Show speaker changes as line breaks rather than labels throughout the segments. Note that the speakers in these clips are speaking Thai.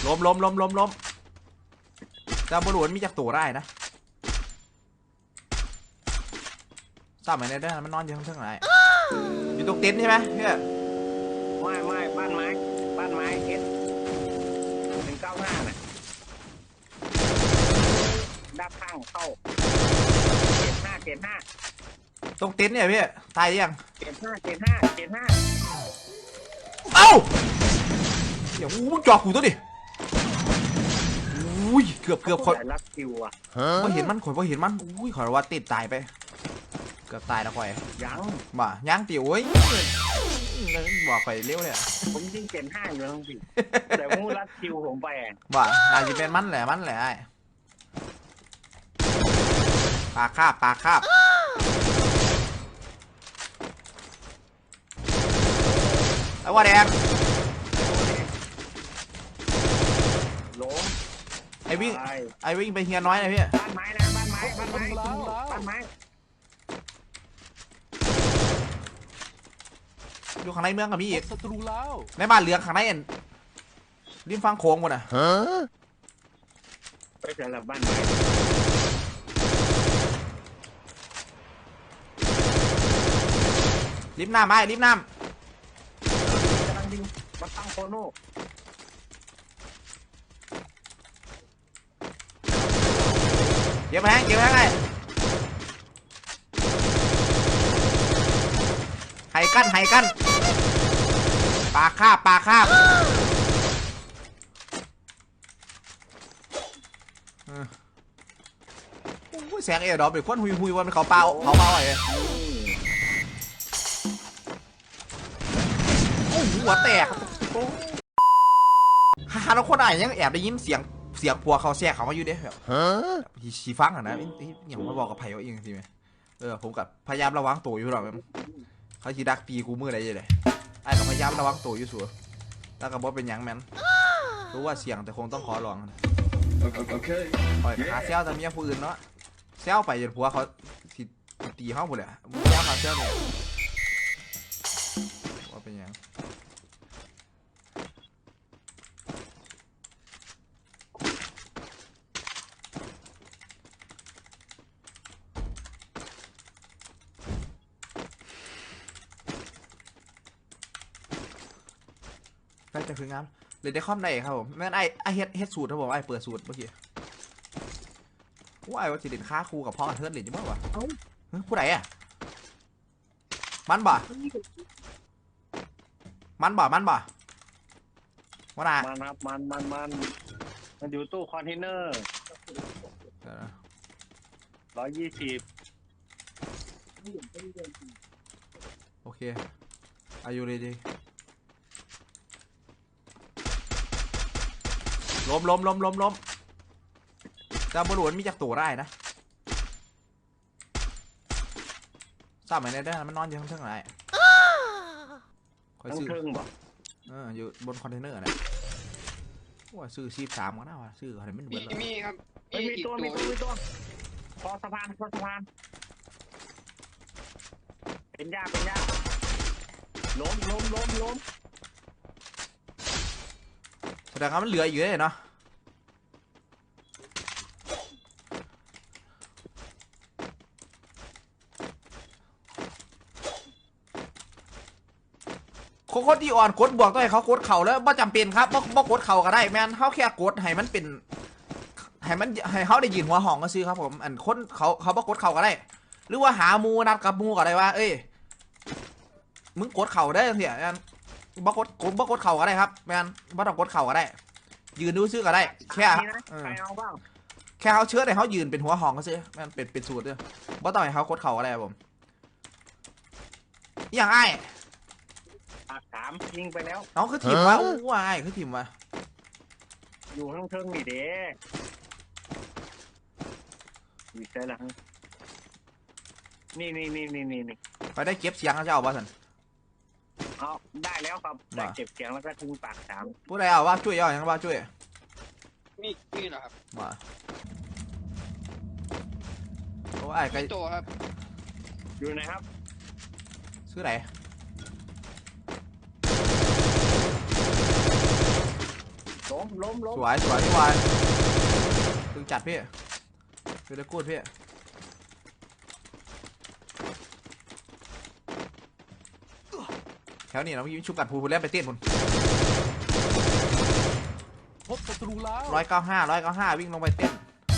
ล้มจะบอลลูนมีจากตัวได้นะทราบไหมเนี่ยมันนอนอยู่ข้างไหนอยู่ตรงเต็นท์ใช่ไหมพี่
ไม่บ้านไม้S195น่ะด้านข้างเข้าเกณฑ์ห้า
ตรงเต็นท์เนี่ยพี่ตายยัง
เกณฑ์ห้า
เอ้าเดี๋ยวมึงจอกกูตัวดิอุ้ยเกือบ
ข่อยรักคิวอ่ะ
พอเห็นมันอุ้ยขอว่าติดตายไปเกือบตายแล้วข่อยยังติ๋วเว้ยบอกไปเร็วเลย
ผมยิงเกณฑ์ห้าอยู่ทั้งสิแต่มูรัดคิวผมไป
น่าจะเป็นมันแหละปากคาบไอ้ว่าแดง
ล้ม
ไอ้วิ่งไปเฮียน้อยนะพี่
บ้านไม้
อยู่ข้างในเมืองกับมีอีก
ศัตรูแล้ว
ในบ้านเหลืองข้างในริมฟังโค้งหมดอ่ะ
ไปเจอกับบ้านไม้
ริมน้ำกำลังยิง
มาตั้งโคโน่
เก็บแห้งไงไห้กั้นปากคาบแสงเอดอเป็นคนหุยวันเขาเปล่าไอ้หัวแตกฮาแล้วคนไหนยังแอบได้ยินเสียงผัวเขาแทรกเขามาอยู่เด้แบบชีฟังอ่ะนะอย่างมาบอกกับไผ่เขาเองสิไหมผมกับพยายามระวังตัวอยู่หรอกเขาชีดักตีกูมืออะไรเลยไอ้กับพยายามระวังตัวอยู่สัวแล้วก็บอกเป็นยังแมนรู้ว่าเสียงแต่คงต้องขอลองปล่อยขาเซลแต่เมียผู้อื่นเนาะเซลไปจนผัวเขาตีเขาหมดเลยมึงเซลขาเซลเนี่ยว่าเป็นยังได้จะคืองานเลยได้คอมได้ครับผมแม่นไอเฮ็ดสูตรครับผมไอเปิดสูตรเมื่อกี้ว่าไอว่าจะเด่นค่าครูกับพ่อกับเทิร์นเด่นยังไงวะผู้ใดอ่ะมันบ่ว่าน่ะ
มันครับมันอยู่ตู้คอนเทนเนอร์120
โอเคอายุเลยดีล้มจะบอลลูนมีจากตัวได้นะทราบไหมเนี่ยมันนอนอยู่ข้างไหนคอยซื้ออยู่บนคอนเทนเนอร์นะว่าซื้อ13ก็น่าว่าซื้ออะไรไม่เหมือน
มีครับมีตัวคอสะพานเป็นยาล้ม
แสดงว่ามันเหลืออยู่เลยเนาะคนที่อ่อนกดบวกต้องให้เขากดเข่าแล้วไม่จำเป็นครับบ่กดเข่าก็ได้แมนเขาแค่กดให้มันเป็นให้เขาได้ยินหัวห้องก็ซื้อครับผมอันคนเขาบ่กดเข่าก็ได้หรือว่าหามูนัดกับมูก็ได้ว่าเอ้ยมึงกดเข่าได้เสียแมนบ่กดเข่าก็ได้ครับแมนบ่ต้องกดเข่าก็ได้ยืนดูซื้อก็ได้แค่เขาเชื้อให้เขายืนเป็นหัวห้องก็ซื้อแมนเป็นสูตรด้วยบ่ต้องให้เขากดเข่าก็ได้ครับผมอย่างไอ้
ยิงไปแล้ว
น้องคือทีมวะว้ายคือทีมวะ
อยู่ข้างเทิงนี่เด้มีใช่หรือนี่
ไปได้เก็บเสียงเขาจะเอาบ้าสัน
เอาได้แล้วครับได้เก็บเสียงแล้วก็ทิ้งปาก3
ผู้ใดเอาว่าช่วยยังว่าช่วย
นี่เหรอครับ
มาโอ้ไอ้ไก่
โตครับ
อยู่ไหนครับ
ซื้อไหน
ล้มล้ม
สวยพี่วายตึงจัดพี่คือได้กูดพี่แถวนี้เราเมื่อกี้ชุบกัดพูเล่นไปเต้นพุ่น
พบศัตรูแล้ว
195วิ่งลงไปเต้น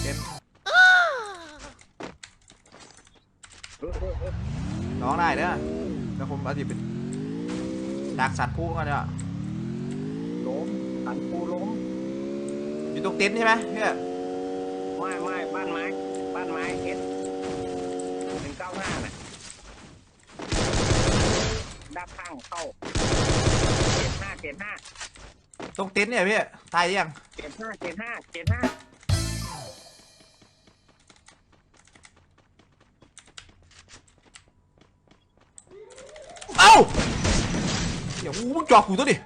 ร้องได้เด้อแล้วผมอาทิตย์เป็นดักสัตว์ผู้กันเนี่ย
ล้มสันปูล้ม
อยู่ตรงเต็นท์ใช่ไหมพี่
ไม่บ้านไม้เอส195น่ะด้านข้างเข้าเกณฑ์5
ตรงเต็นท์เนี่ยพี่ตายยัง
เกณฑ์5
เอ้าเดี๋ยวมึงจอกกูตัวดิ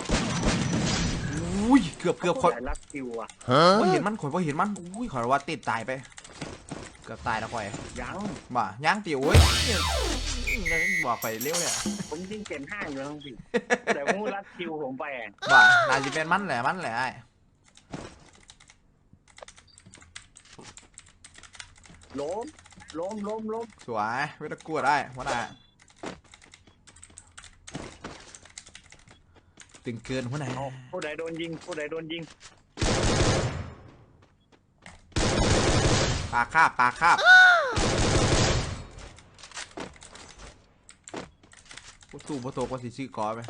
อุ้ยเกือบคอย
แต่รักคิวอ่ะ
ว่าเห็นมันข่อยว่าเห็นมันอุ้ยขอยว่าติดตายไปเกือบตายแล้วข่อย
ยัง
บ่ย่างติ๋วเว้ยบอกไปเร็วเนี่ย
ผมยิงเกณฑ์5อยู่แล้วสิแต่มูรักคิวผมไปอ่ะ
บ่น่าจะเป็นมันแหละไอ้
ล้ม
สวยไม่ต้องกลัวได้วะน่ะตึงเกินหัวหน้า
ผู้ใดโดนยิง
ปลาคาบประตูก็สิซื้อกอไป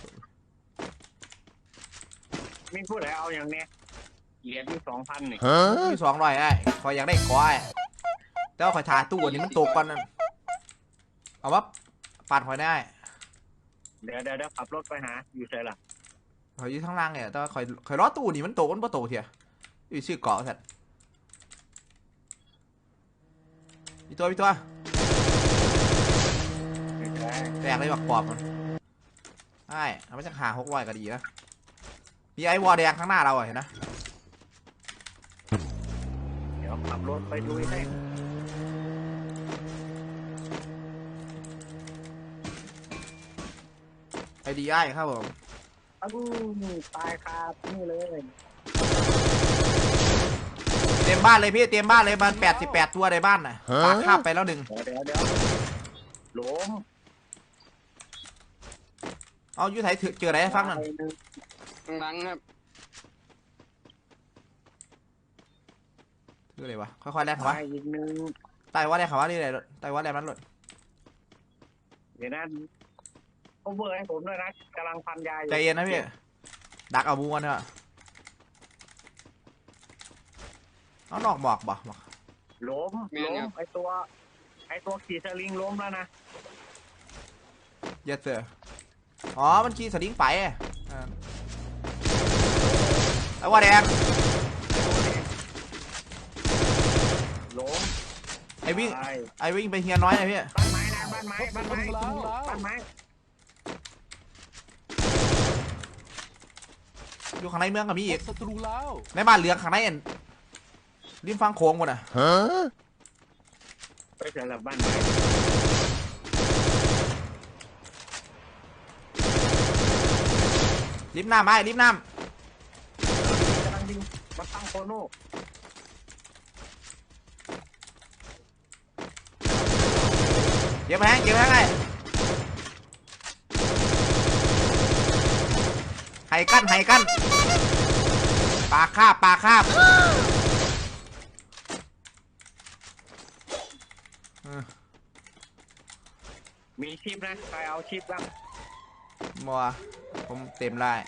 มีผู้ใดเอาอย่างเนี้ยเหรียญที่2,000นี่
มี200ไอ้คอยอยากได้กอไอ้แต่ว่าคอยทาตู้อันนี้มันตกก่อนนั่นเอาว่าปาดคอยได้
เดี๋ยวขับรถไปหาอยู่ใช่ล่ะ
คอยอยู่ข้างล่างเนี่ยแต่ว่าคอยล้อตู้นี่มันตกมันบ่ตกเถียอยู่ซื้อกอสัตว์มีตัวแตกเลยบักปอบมันใช่เอามาจากหา600ก็ดีนะมีไอ้วอลแดงข้างหน้าเราเห็นนะ
เดี๋ยวขับรถไปดูให้
ไอดีไอครับผม
ตายคานี่เลย
เต็มบ้านเลยพี่เต็มบ้านเลยมัน88ตัวในบ้านน่ะปากคาบไปแล้ว1
เดี๋ยวล้ม
เอาอยู่ไหนเจออะไรให้ฟังนั่น
หลังครับ
คืออะไรวะค่อยๆแลกเขาวะ
อีกนึง
ไต่ว่าแลกเขาวะนี่อะไรไต่ว่าแลกมันหลุด
เดี๋ยวนั้นโอเวอร์ให้ผมด้วยนะกำลังพันยาอยู่
ใจเย็นนะพี่ดักเอาบูกันเถอะเอานอกหมอกบ่
ล้มไอตัวขี่สลิงล้มแล้วนะ
เยสเซอร์อ๋อมันขี่สลิงไปไอ้ว่าแดง
ล้ม
ไอ้วิ่งไปเฮียน้อยนะพี่
บ้านไม้นะบ้านไม้
อยู่ข้างในเมืองกับมี
พ
อีก
บศัตรูแล้ว
ในบ้านเหลืองข้างในเอ็นริมฟังโค้งหมดอ่ะ
ไปเจอกับบ้านไม้
ริมน้ำไอ้ริมน้
กำลังยิงมาตั้งโคโน่
ำเก็บแห้งไอ้ไห้กั้นปลาคาบ
มีชิปนะใครเอาชิปบ้าง
มัวผมเต็มได้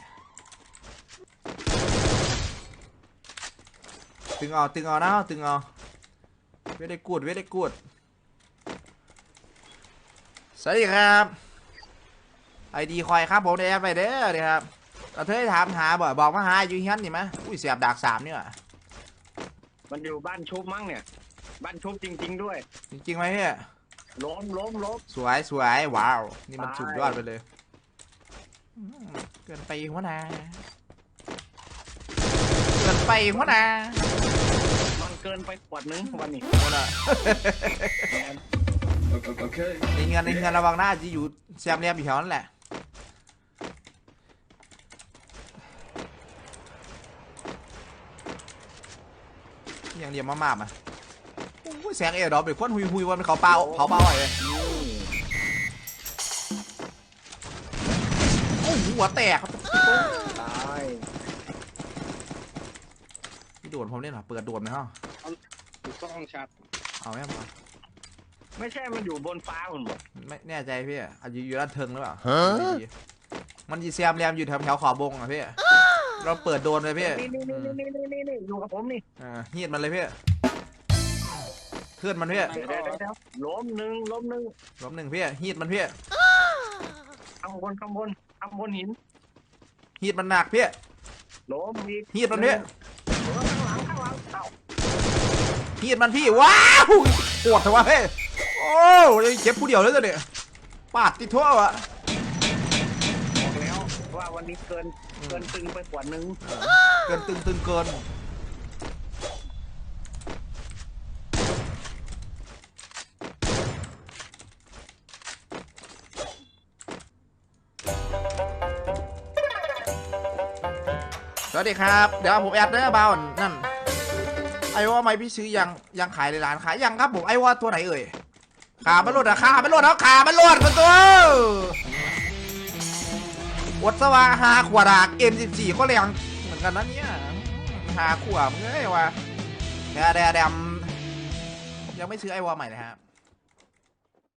ตึงเอานะตึงเอาเวทได้กูดสวัสดีครับไอดีคอยครับผมได้แอปไปเด้อเนี่ยครับเราเธอถามหาบอกมาหาอยู่เฮียนนี่ไหมอุ้ยเสียบดาก3เนี่ย
มันอยู่บ้านชุบมั้งเนี่ยบ้านชุบจริงๆด้วย
จริงไหมพี่
ล้ม
สวยว้าวนี่มันสุดยอดไปเลยเกินไปหัวหน้ามัน
เกินไปขวดนึงวันนี้
หัวหน้าในเงินระวังหน้าจะอยู่แซมเรียมอยู่แถวนั้นแหละอย่างเดียวมาๆอ่ะโอ้ยแสงเอดอปเป็นควันหุยๆวันเขาเปล่าเผาเปล่าไอ้โอ้โหหัวแตก
ตาย
พี่โดนผมเนี่ยเหรอเปิดโดนไหมฮะ
ถูกต้องชัด
เอาไหมครับ
ไม่ใช่มันอยู่บนฟ้าคุณบอก
ไม่แน่ใจพี่อาจจะอยู่ด้านเทิงหรือเปล่าไม่ดีมันยีแซมแรมอยู่แถวขอบบงอ่ะพี่เราเปิดโดนเลยพี่
นี่อยู่กับผมนี่
เฮียดมันเลยพี่เคลื่อนมันพี่
เดี๋ยวล้มหนึ่ง
ล้มหนึ่งพี่ฮีดมันพี่
ข้างบนหิน
ฮีดมันหนักพี่
ล้มอีก
ฮีดมันพี่
ข้างหลังเอ้า
ฮีดมันพี่ว้าวปวดเถอะวะเฮ้ยโอ้ยเจ็บผู้เดียวเลยตัวเนี่ยปาดติดทั่ววะ
บอกแล้วว่าวันนี้เกินตึงไปกว่านึง
เกินตึงเกินสวัสดีครับเดี๋ยวผมแอดเด้อบ้านนั่นไอ้ว่าไม่พี่ซื้อยังขายในร้านขายยังครับผมไอ้ว่าตัวไหนเอ่ยขามันหลุดอะขามันหลุดแล้วขามันหลุดมันตัวอดสว่าหาขวดาก M14 ก็แรงเหมือนกันนะเนี่ยหาขวดมึงเอ้ยวะแดมยังไม่ซื้อไอ้วอใหม่เลยครับ